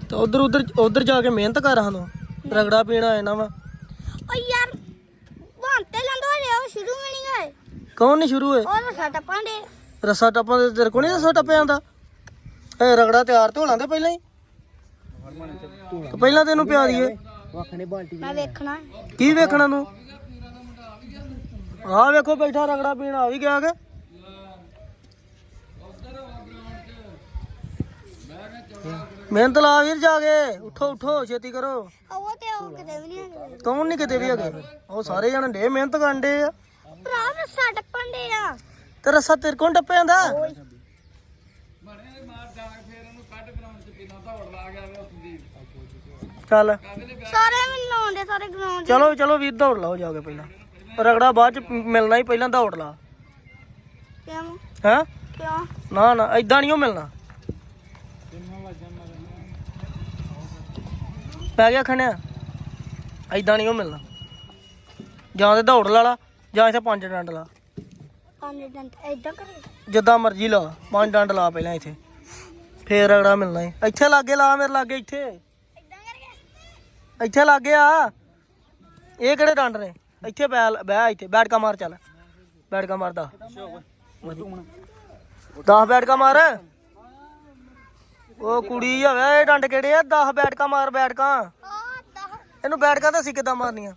ਤੇ ਉਧਰ ਜਾ ਕੇ ਮਿਹਨਤ ਕਰ ਸਾਨੂੰ ਰਗੜਾ ਪੀਣਾ ਆਣਾ ਵਾ ਓ ਯਾਰ ਬੰਤੇ ਲੰਦੋ ਰਿਹਾ ਸ਼ੁਰੂ ਵੀ ਨਹੀਂ ਗਏ ਕੌਣ ਨਹੀਂ ਸ਼ੁਰੂ ਹੋਏ ਉਹ ਰਸਾ ਟੱਪਾਂ ਦੇ ਰਸਾ ਟੱਪਾਂ ਦੇ ਤੇਰੇ ਕੋਲ ਨਹੀਂ ਰਸਾ ਟੱਪਿਆ ਜਾਂਦਾ ਇਹ ਰਗੜਾ ਤਿਆਰ ਤੇ ਹੋਣਾ ਤੇ ਪਹਿਲਾਂ ਹੀ ਪਹਿਲਾਂ ਤੈਨੂੰ ਪਿਆ ਦਈਏ ਮੈਂ ਵੇਖਣਾ ਕੀ ਵੇਖਣਾ ਤੂੰ ਆਹ ਵੇਖੋ ਬੈਠਾ ਰਗੜਾ ਪੀਣ ਆ ਵੀ ਗਿਆ ਕਿ ਮਿਹਨਤ ਲਾ ਵੀਰ ਜਾ ਕੇ ਉਠੋ ਛੇਤੀ ਕਰੋ ਉਹ ਤੇ ਉਹ ਕਿਤੇ ਵੀ ਨਹੀਂ ਹੈਗੇ ਕੌਣ ਨਹੀਂ ਕਿਤੇ ਵੀ ਹੈਗੇ ਉਹ ਸਾਰੇ ਜਣੇ ਡੇ ਮਿਹਨਤ ਕਰਨ ਡੇ ਆ ਭਰਾ ਰਸਾ ਟੱਪਣ ਦੇ ਆ ਤੇ ਰਸਾ ਤੇਰੇ ਕੋਲ ਟੱਪਿਆ ਜਾਂਦਾ ਚੱਲ ਸਾਰੇ ਮੈਨੂੰ ਲਾਉਂਦੇ ਸਾਰੇ ਗਰਾਊਂਡ ਚਲੋ ਵੀਰ ਦੌੜ ਲਾਓ ਜਾ ਕੇ ਪਹਿਲਾਂ ਰਗੜਾ ਬਾਅਦ ਚ ਮਿਲਣਾ ਹੀ ਪਹਿਲਾਂ ਦੌੜ ਲਾ ਕਿਉਂ ਹੈਂ ਕਿਉਂ ਨਾ ਏਦਾਂ ਨਹੀਂ ਉਹ ਮਿਲਣਾ ਪੈ ਗਿਆ ਖਣਿਆ ਏਦਾਂ ਨਹੀਂ ਉਹ ਮਿਲਣਾ ਜਾਂ ਤੇ ਦੌੜ ਲਾ ਜਾਂ ਇੱਥੇ 5 ਡੰਡ ਲਾ 5 ਡੰਟ ਏਦਾਂ ਕਰੇ ਜਿੱਦਾਂ ਮਰਜ਼ੀ ਲਾ 5 ਡੰਡ ਲਾ ਪਹਿਲਾਂ ਇੱਥੇ ਫੇਰ ਰਗੜਾ ਮਿਲਣਾ ਏ ਇੱਥੇ ਲਾਗੇ ਲਾ ਮੇਰੇ ਲਾਗੇ ਇੱਥੇ ਏਦਾਂ ਕਰਕੇ ਇੱਥੇ ਲਾਗੇ ਆ ਇਹ ਕਿਹੜੇ ਡੰਡ ਨੇ ਇੱਥੇ ਬਹਿ ਇੱਥੇ ਬੈਠ ਕਾ ਮਾਰ ਚੱਲ ਬੈਠ ਕਾ ਮਾਰਦਾ 10 ਬੈਠ ਕਾ ਮਾਰ ਉਹ ਕੁੜੀ ਹੋਵੇ ਇਹ ਡੰਡ ਕਿਹੜੇ ਆ 10 ਬੈਠ ਕਾ ਮਾਰ ਬੈਠ ਕਾ ਇਹਨੂੰ ਬੈਠ ਕਾ ਤਾਂ ਅਸੀਂ ਕਿੱਦਾਂ ਮਾਰਨੀਆਂ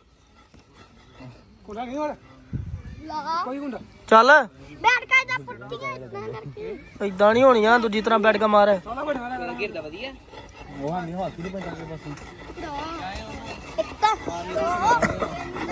ਲਾ ਚੱਲ ਬੈਠ ਕੇ ਇਦਾਂ ਪੁੱਟੀਆਂ ਇਦਾਂ ਕਰਕੇ ਏਦਾਂ ਨਹੀਂ ਹੋਣੀਆਂ ਦੂਜੀ ਤਰ੍ਹਾਂ ਬੈਠ ਕਾ ਮਾਰ ਇੱਕ ਤਾਂ